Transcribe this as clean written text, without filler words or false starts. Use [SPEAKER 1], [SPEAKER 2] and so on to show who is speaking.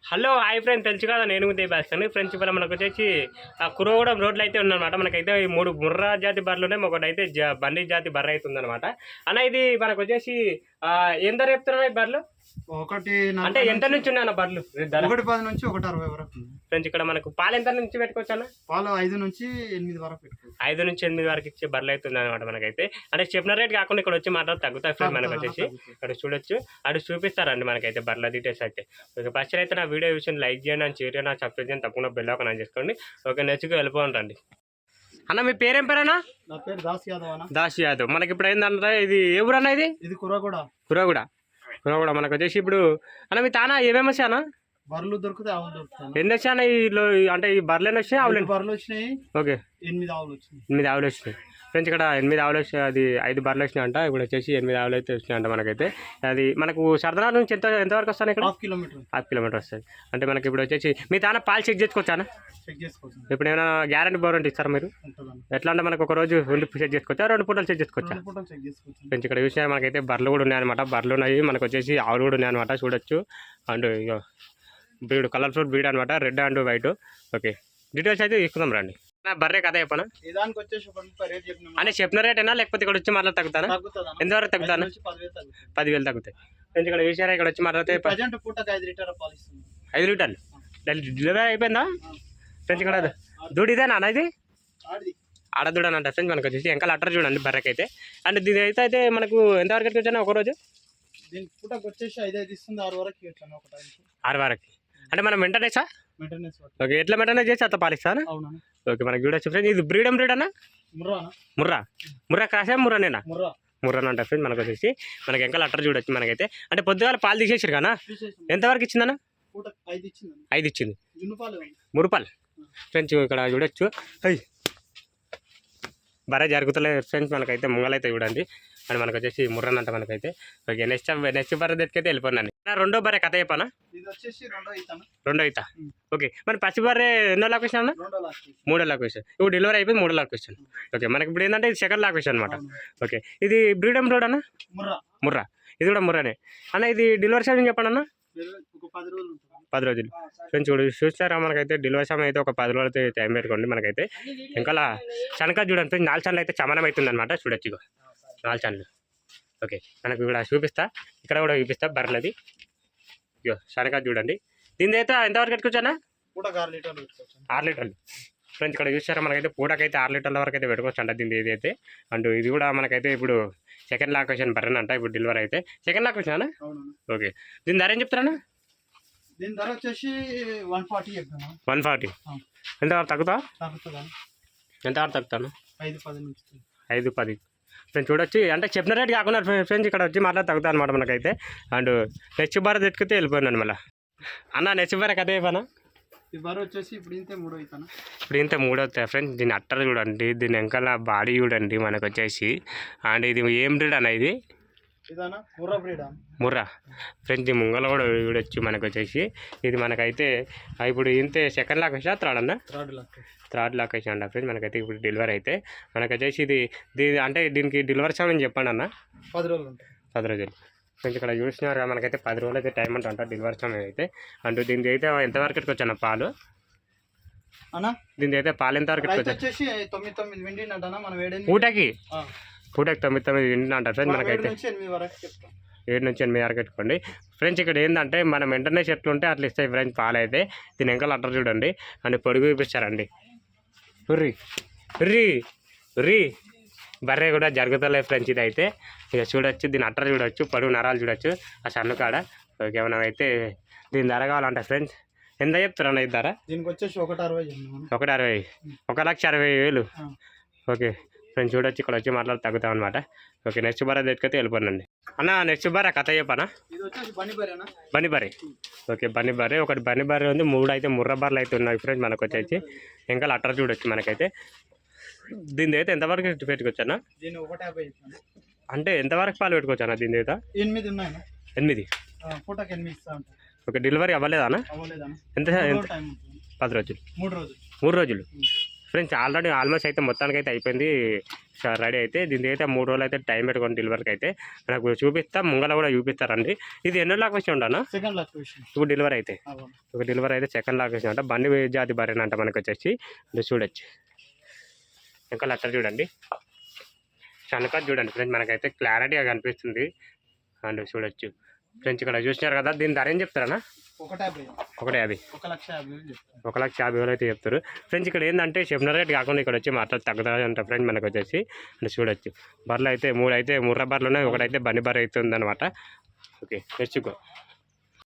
[SPEAKER 1] Hello hi friends, తెలుసు కదా నేను దేబాస్తాను ఫ్రెండ్స్. ఇప్పుడు మనకు వచ్చేసి ఆ కురవగూడెం రోడ్లు అయితే ఉందన్నమాట. మనకైతే ఈ 3 ముర్రా జాతి బర్రెలు ఉన్నాయి, ఒకటైతే బండి జాతి బర్రె అయితే ఉందన్నమాట. అన్న ఇది మనకు వచ్చేసి ఏం ధర చెప్తున్నాయి బర్రెలు?
[SPEAKER 2] ఒకటి
[SPEAKER 1] అంటే ఎంత నుంచి ఉన్నాయన్న బర్రెలు?
[SPEAKER 2] 1.10 నుంచి 1.60 వరకు.
[SPEAKER 1] ఫ్రెండ్స్ ఇక్కడ మనకు పాలు ఎంత నుంచి పెట్టుకోవచ్చు అన్న?
[SPEAKER 2] పాలు 5 నుంచి 8 వరకు పెట్టుకోవచ్చు.
[SPEAKER 1] 5 నుంచి 8 వరకు ఇచ్చే బర్రెలు అయితే ఉందన్నమాట. మనకైతే అంటే చెప్పిన రేట్ కాకుండా ఇక్కడ వచ్చి మాత్రం తగ్గుతాయి ఫ్రెండ్స్. మనకు వచ్చేసి ఇక్కడ చూడొచ్చు, అటు చూపిస్తారండి మనకైతే బర్రెల డీటెయిల్స్ అయితే. ఓకే, ఫస్ట్ అయితే నా వీడియో విషయం లైక్ చేయండి అని షేర్ చేయండి, సబ్స్క్రైబ్ చేయండి, తప్పకుండా బెల్ ఐకాన్ ఆన్ చేసుకోండి. ఓకే, నెక్స్ట్కి వెళ్ళిపోండి. అన్న మీ పేరేం పేరన్నా?
[SPEAKER 2] నా పేరు దాస్ యాదవ్ అన్న.
[SPEAKER 1] దాస్ యాదవ్. మనకి ఇప్పుడు ఏంటంటే ఇది ఏ ఊరు అన్న? ఇది కురగూడ. మనకు వచ్చేసి ఇప్పుడు అన్న మీ తానా ఏమేమి వచ్చాయి అన్న?
[SPEAKER 2] బర్రెలు దొరుకుతాయి, ఆవులు దొరుకుతాయి.
[SPEAKER 1] ఎన్ని వచ్చాయి అన్న ఈలో? అంటే ఈ బర్రెలు వచ్చాయి, ఆవులు?
[SPEAKER 2] బర్రెలు వచ్చినాయి.
[SPEAKER 1] ఓకే,
[SPEAKER 2] 8 ఆవులు వచ్చినాయి.
[SPEAKER 1] 8 ఆవులు వచ్చినాయి ఫ్రెండ్స్. ఇక్కడ 8 ఆవులు వచ్చాయి, అది 5 బర్రెలు వచ్చినాయి అంట. ఇప్పుడు వచ్చేసి 8 ఆవులు అయితే వచ్చినాయంట. మనకైతే అది మనకు సరదాల నుంచి ఎంతవరకు వస్తాను? ఇక్కడ
[SPEAKER 2] 1/2
[SPEAKER 1] కిలోమీటర్ వస్తుంది. అంటే మనకి ఇప్పుడు వచ్చేసి మీ తాన పాలు చెక్ చేసుకోవచ్చా?
[SPEAKER 2] చెక్ చేసుకోవచ్చు.
[SPEAKER 1] ఇప్పుడు ఏమైనా గ్యారంటీ వారంటీ ఇస్తారా మీరు? ఎట్లా అంటే మనకు ఒక రోజు 2 చెక్ చేసుకోవచ్చా, 2 పూటలు చెక్ చేసుకోవచ్చా? ఫ్రెండ్స్ ఇక్కడ చూసినా మనకైతే బర్రెలు కూడా ఉన్నాయన్నమాట. బర్రెలు ఉన్నాయి, మనకు వచ్చేసి ఆవులు కూడా ఉన్నాయన్నమాట. చూడొచ్చు. అండ్ ఇక బ్రీడ్ కలర్ఫుల్ బ్రీడ్ అనమాట, red and white. Okay, details అయితే తీసుకుందాం రండి. నా బర్రె కథ చెప్పనా? అంటే చెప్పిన రేటేనా లేకపోతే ఇక్కడ వచ్చి మాట్లాడి తగ్గుతానా? ఎంతవరకు తగ్గుతాను? 10,000 తగ్గుతాయి ఫ్రెండ్స్. ఇక్కడ చూసారా, ఇక్కడ వచ్చి మాట్లాడితే 5 లీటర్లు డెలివరీ అయిపోయిందా ఫ్రెండ్స్? ఇక్కడ దూడ ఇదేనా అన్న? ఇది ఆడదూడని అంట ఫ్రెండ్స్. మనకు వచ్చేసి వెనకాల అట్టర్ చూడండి బర్రెకైతే. అండ్ దీని అయితే మనకు ఎంతవరకు వచ్చాను ఒకరోజు? 6 వరకు. అంటే మనం మెయింటెనెన్స్ ఓకే, ఎట్లా మెయింటెనెన్స్ చేసి అత్త పాలిస్తాను. ఓకే, మనకి చూడొచ్చు ఫ్రెండ్స్. ఇది బ్రీడ్ అన్న? ముర్రా క్రాసే ముర్రానేనా? ముర్రానంట ఫ్రెండ్స్. మనకు వచ్చేసి మనకి వెనకాల అట్టర్ చూడొచ్చు మనకైతే. అంటే పొద్దుగాల పాలు తీసేసారు కదా, ఎంతవరకు ఇచ్చిందన్న? 5 ఇచ్చింది. 3 రూపాయలు ఫ్రెండ్స్. ఇక్కడ చూడొచ్చు. బరే జరుగుతలేదు ఫ్రెండ్స్. మనకైతే ముంగలైతే చూడండి. అని మనకు వచ్చేసి ముర్రనంట మనకైతే. ఓకే, నెక్స్ట్ బర్రె దగ్గరికి వెళ్ళిపోయినాను. రెండో బర్రె కథ చెప్పానా? రెండో ఈత. ఓకే, మరి పచ్చి బర్రె ఎన్నో లొకేషన్ అన్న? 3వ లొకేషన్. ఇప్పుడు డెలివరీ అయిపోయింది 3వ లొకేషన్. ఓకే, మనకి ఇప్పుడు ఏంటంటే ఇది సెకండ్ లొకేషన్ అనమాట. ఓకే, ఇది బ్రీడమ్ రోడ్ అన్న? ముర్రా. ఇది కూడా ముర్రానే అన్న. ఇది డెలివరీ సమయం చెప్పండి అన్న. 10 రోజులు ఫ్రెండ్స్. చూస్తారా, మనకైతే డెలివరీ సమయం అయితే ఒక 10 రోజులు అయితే టైం పెట్టుకోండి. మనకైతే ఇంకా శనక చూడండి ఫ్రెండ్స్. 4 ఛానల్ అయితే చమనం అవుతుంది అనమాట. చూడొచ్చు, 4 ఛానల్. ఓకే, మనకు ఇక్కడ చూపిస్తా, ఇక్కడ కూడా చూపిస్తా బర్రెలది. ఇగో శనక చూడండి. దీని అయితే ఎంతవరకు పెట్టుకోవచ్చా? 6 లీటర్లు ఫ్రెండ్స్. ఇక్కడ చూసారా, మనకైతే పూటకైతే 6 లీటర్ల వరకు అయితే పెట్టుకోవచ్చు అంట దీని ఇది అయితే. అండ్ ఇది కూడా మనకైతే ఇప్పుడు సెకండ్ లొకేషన్ బర్రెనంట. ఇప్పుడు డెలివరీ అయితే సెకండ్ లొకేషన్ అన్న. ఓకే, దీని ధర ఏం చెప్తారన్నా?
[SPEAKER 2] దీని ధర వచ్చేసి
[SPEAKER 1] 140. ఎంతవరకు తగ్గుతా? ఎంతవరకు తగ్గుతాను? 5-10 ఫ్రెండ్స్. చూడొచ్చు. అంటే చెప్పిన రేట్ కాకుండా ఫ్రెండ్స్ ఇక్కడ వచ్చి మాట్లాడి తగ్గుతా అనమాట మనకైతే. అండ్ నెక్స్ట్ బర్రె తెచ్చుకుంటే వెళ్ళిపోయినాను మళ్ళీ. అన్న నెక్స్ట్ బర్రె కథ అయిపోయినా?
[SPEAKER 2] ఈ బర్రె వచ్చేసి ఇప్పుడు ఇంతే
[SPEAKER 1] 3 అవుతాయి ఫ్రెండ్స్. దీని అట్టర్ చూడండి, దీని వెనకాల బాడీ చూడండి మనకు వచ్చేసి. అండ్ ఇది ఏం బ్రీడ్ అన్న? ఇది ముర్రా ఫ్రెండ్స్. ఈ ముంగల కూడా చూడొచ్చు మనకు వచ్చేసి. ఇది మనకైతే ఇప్పుడు ఇంతే సెకండ్ లొకేషన్, థర్డ్ అన్న? థర్డ్ లొకేషన్ అంట ఫ్రెండ్స్. మనకైతే ఇప్పుడు డెలివరీ అయితే మనకు వచ్చేసి దీని అంటే దీనికి డెలివరీ సమయం చెప్పండి అన్న.
[SPEAKER 2] 10 రోజులు.
[SPEAKER 1] 10 రోజులు ఫ్రెండ్స్. ఇక్కడ చూసినారు మనకైతే 10 రోజులు అయితే టైం అంట డెలివరీ సమయం అయితే. అంటూ దీనికి అయితే ఎంతవరకు పెట్టుకోవచ్చు పాలు? దీనికి అయితే పాలు ఎంతవరకు పెట్టుకోవచ్చు? పూటకి 9 వింటున్నా ఫ్రెండ్స్. మనకైతే 7 నుంచి 8 వరకు పెట్టుకోండి ఫ్రెండ్స్. ఇక్కడ ఏంటంటే మనం ఇంటర్నెట్ ఎట్లుంటే అట్లా ఇస్తాయి ఫ్రెండ్స్ పాలు అయితే. దీని వెనకాల అట్టర్ చూడండి. అండ్ పొడుగు చూపిస్తారండి. ఉర్రీ బర్రె కూడా జరుగుతలేదు ఫ్రెండ్స్. ఇది అయితే ఇక చూడొచ్చు, దీని అట్టర్ చూడొచ్చు, పొడుగు నరాలు చూడొచ్చు ఆ సన్ను కాడ. ఓకే, మనం అయితే దీని ధర కావాలంట ఫ్రెండ్స్. ఎంత చెప్తారన్న ఇది ధర?
[SPEAKER 2] దీనికి వచ్చేసి 160.
[SPEAKER 1] 1,60,000. Okay friends. చూడొచ్చు, ఇక్కడ వచ్చి మాట్లాడి తగ్గుతాం అనమాట. ఓకే, నెక్స్ట్ బర్రె తెచ్చుకైతే వెళ్ళిపోనండి అన్న. నెక్స్ట్ బర్రె కథ చెప్పనా? బన్ని బర్రె. ఓకే, బన్ని బర్రె. ఒకటి బన్ని బర్రె ఉంది, 3 అయితే ముర్ర బర్రెలు అయితే ఉన్నాయి ఫ్రెండ్స్. మనకు వచ్చేసి ఇంకా అట్టర్ చూడొచ్చు మనకైతే. దీని అయితే ఎంతవరకు పెట్టుకోవచ్చు అన్న? అంటే ఎంతవరకు పాలు పెట్టుకోవచ్చు అన్న దీని అయితే? 8. ఓకే, డెలివరీ అవ్వలేదా అన్న? ఎంత? 10 రోజులు. 3 రోజులు ఫ్రెండ్స్ ఆల్రెడీ ఆల్మోస్ట్ అయితే మొత్తానికి అయితే అయిపోయింది రెడీ అయితే. దీనికి అయితే 3 రోజులు అయితే టైం పెట్టుకోండి డెలివరీకి అయితే. నాకు చూపిస్తా ముంగల కూడా చూపిస్తారండి. ఇది ఎన్నో లాక్ వచ్చి ఉండనా
[SPEAKER 2] సెకండ్ లాక్ విషయం
[SPEAKER 1] ఇప్పుడు డెలివరీ అయితే ఒక డెలివరీ అయితే సెకండ్ లాక్ వచ్చి అంట. బండి జాతి బర్రెనంట మనకు వచ్చేసి చూడొచ్చు. ఇంకా లెటర్ చూడండి, శనక చూడండి ఫ్రెండ్స్, మనకైతే క్లారిటీగా కనిపిస్తుంది అండ్ చూడొచ్చు ఫ్రెండ్స్. ఇక్కడ చూసినారు కదా, దీని ధర ఏం చెప్తారన్నా?
[SPEAKER 2] 150.
[SPEAKER 1] 150.
[SPEAKER 2] 1,50,000 చెప్తాను.
[SPEAKER 1] 1,50,000 అయితే చెప్తారు ఫ్రెండ్స్. ఇక్కడ ఏంటంటే చెప్పిన రేట్ కాకుండా ఇక్కడ వచ్చి మాట్లాడి తగ్గుతుంది అంట ఫ్రెండ్స్. మనకు వచ్చేసి అంటే చూడొచ్చు బర్రెలు అయితే 3 అయితే ముర్ర బర్రెలు ఉన్నాయి, ఒకటైతే బండి బర్రె అవుతుంది అనమాట. ఓకే తెచ్చుకో.